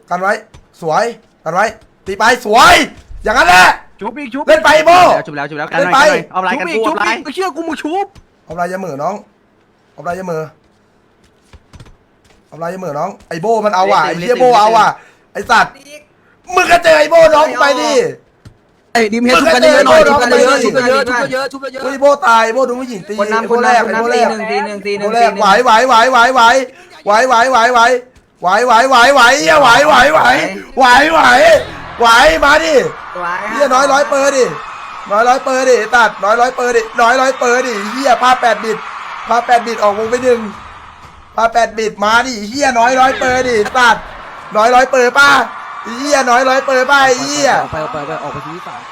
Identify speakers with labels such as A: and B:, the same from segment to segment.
A: กันไว้สวยกันไว้ตีไปสวยอย่างนั้นแหละ
B: ชุบอีกชุบ
A: เล่นไปโบ
B: ชุบแล้วกัน
A: เล่น
B: หน่
A: ไป
B: อยเอาอะไรกันกูชุบอีกเชื่อกูมึงชุบ
A: เอาลายยาเหมือน้องเอาลายยาเหมือเอาลายยาเหมือน้องไอโบมันเอาว่ะไอเฮียโบเอาว่ะไอสัตว์มึงก็เจอไอโบน้องไปดิ
B: ไอ้ดิมเฮดชุบกันเยอะหน่อยชุบกันเยอะชุบกันเยอะชุบกันเยอะชุบกันเยอะ
A: ไอโบตายไอโบโดนผู้หญิงตี
C: คนนำ
A: ไอโบแรกไอโบแรก
C: ตีหนึ่ง
A: ไอโบแรกไหวไหวไหวไหวไหวไหวไหวไหวไหวไหวไหวไหวไหวเฮียไหวไหวไหวไหวไหวไหวมาดิเฮียน้อยร้อยเปอร์ดิน้อยร้อยเปอร์ดิตัดน้อยร้อยเปอร์ดิน้อยร้อยเปอร์ดิเฮียพา8 บิตพา8 บิตออกวงไป1พา8 บิตมาดิเฮียน้อยร้อยเปอร์ดิตัดน้อยร้อยเปอร์ป้าเฮียน้อยร้อยเปอร์ป้าเฮีย
B: ไปออกไปที่ฝั่ง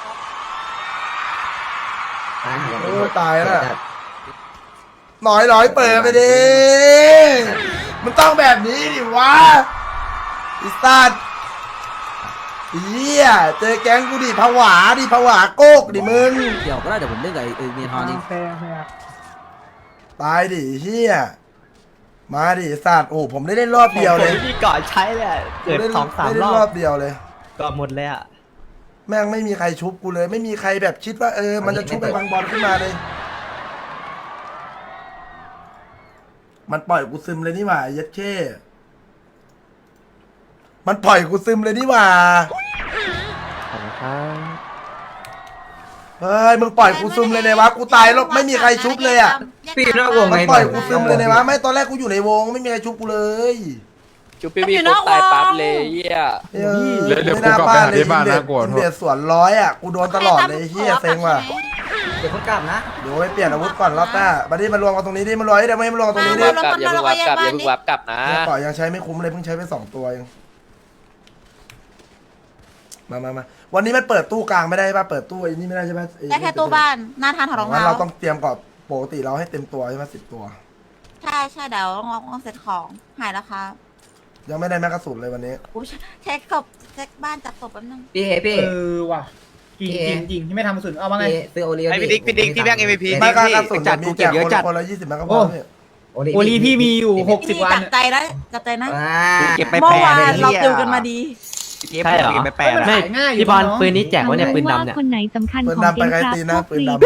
A: โอ้ตายแล้วน้อยร้อยเปอร์ไปดิมันต้องแบบนี้ดิวะอิสตันเฮียเจอแก๊งกูดิผวาดิผวาโกกดิมึง
B: เดี๋ยวก็ได้เดี๋ยวผมเล่นกับไอ้เมียทอนนี่
A: ตายดิเฮียมาดิสัตว์โอ้ผมได้เล่นรอบเดียวเลย
D: ที่ก่อนใช้เลยเกิด2-3 รอบ
A: รอบเดียวเลย
D: ก็หมดเลยอ่ะ
A: แม่งไม่มีใครชุบกูเลย ไม่มีใครแบบคิดว่ามันจะชุบไปบางบอลขึ้นมาเลย มันปล่อยกูซึมเลยนี่หว่าเย็ดเช่มันปล่อยกูซึมเลยนี่หว่าเฮ้ยมึงปล่อยกูซึมเลยเนี่ยวะกูตายแล้วไม่มีใครชุบเลยอ่ะ
C: พี่นอกวง
A: มัน
C: ไง
A: ปล่อยกูซึมเลยเนี่ยวะไม่ตอนแรกกูอยู่ในวงไม่มีใครชุบกูเลย
E: จุ๊บพี่พี่ปุ๊บตายปั๊บเลยเฮีย
A: เดี๋ยวกูกลับไปหาที่บ้านนะกดเบียดสวนร้อยอ่ะกูโดนตลอดเลยเฮียเซ็งว่ะ
C: เดี๋ยวคนกลับนะ
A: เดี๋ยวไปเปลี่ยนอาวุธก่อนรอบหน้าบัดนี้มารวมกันตรงนี้ดิมารวมเดี๋ยวไม่มารวมกันตรงนี้ดิ
E: กลับอย่าเพิ่งวับกลับอย่าเพิ่งวับกลับนะ
A: เนี่ยต่อยังใช้ไม่คุ้มเลยเพิ่งใช้ไป2 ตัวเองมาวันนี้มันเปิดตู้กลางไม่ได้ป่ะเปิดตู้ไอ้นี่ไม่ได้ใช่ไหม
F: ได้แค่ตู้บ้านหน้าทานถอดรอง
A: งั้น
F: เท้า
A: เราต้องเตรียมก่อนปกติเราให้เต็มตัวใช่ไหม10 ตัว
F: ใช่เดี๋ยวต้องเสร็จของหายแล้วครับ
A: ยังไม่ได้แม็กกาสุนเลยวันนี้
F: กูเช็คศพเช็คบ้านจัดศพแป๊บนึง
C: พี่พี่
G: ว่ะจริงที่ไม่ทำกระสุนเอามาไง
C: ซื้อโอเลี้ย
D: ไอ้พี่ดิ๊กที่แบงค์ MVP
A: ไม่กกระสุนมีแจกคนละ20 แม็กกาพอเนี่ย
G: โอลีพี่มีอยู่
F: พี่
G: 60 วัน
F: จับใจนะจับใจนะ
B: เก็บไป
F: เมื่
B: แป
F: อวาน
B: เลย
F: เราติวกันมาดี
D: ใช่เหรอ
B: เก็บไปแปด
D: ไม่
G: ง่าย
D: พี่บอลปืนนี้แจกวะเนี่ยปืนดำเนี่ย
H: คนไหนสำคัญ
A: ปืน
H: ของ
A: ดำไปไกลตีนะปืนดำ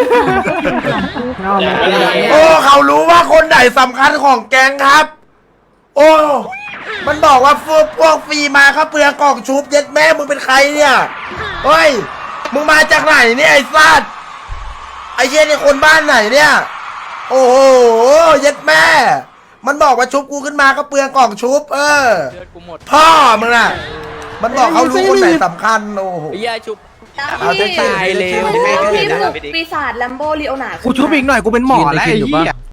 H: ำ
A: โอ้เขารู้ว่าคนไหนสำคัญของแก๊งครับ โอ้มันบอกว่าพวกฟรีมาเขาเปลือกกล่องชุบเย็ดแม่มึงเป็นใครเนี่ยเฮ้ยมึงมาจากไหนเนี่ยไอ้สัตว์ไอ้เชี่ยนี่คนบ้านไหนเนี่ยโอ้โหเย็ดแม่มันบอกว่าชุบกูขึ้นมาก็เปลือกกล่องชุบ
E: เลือดกูหมด
A: พ่อมึงน่ะมันบอกเขารู้คนไหนสำคัญโอ้โห
E: เฮียชุบ
A: เอาเจ๊
E: ตายเลย
D: ไม่ได้
E: ไม่ได้
I: ปีศาจแลมโบลีโอนาร์
B: กูชุบอีกหน่อยกูเป็นหมอแล้วไอ้เหี้ย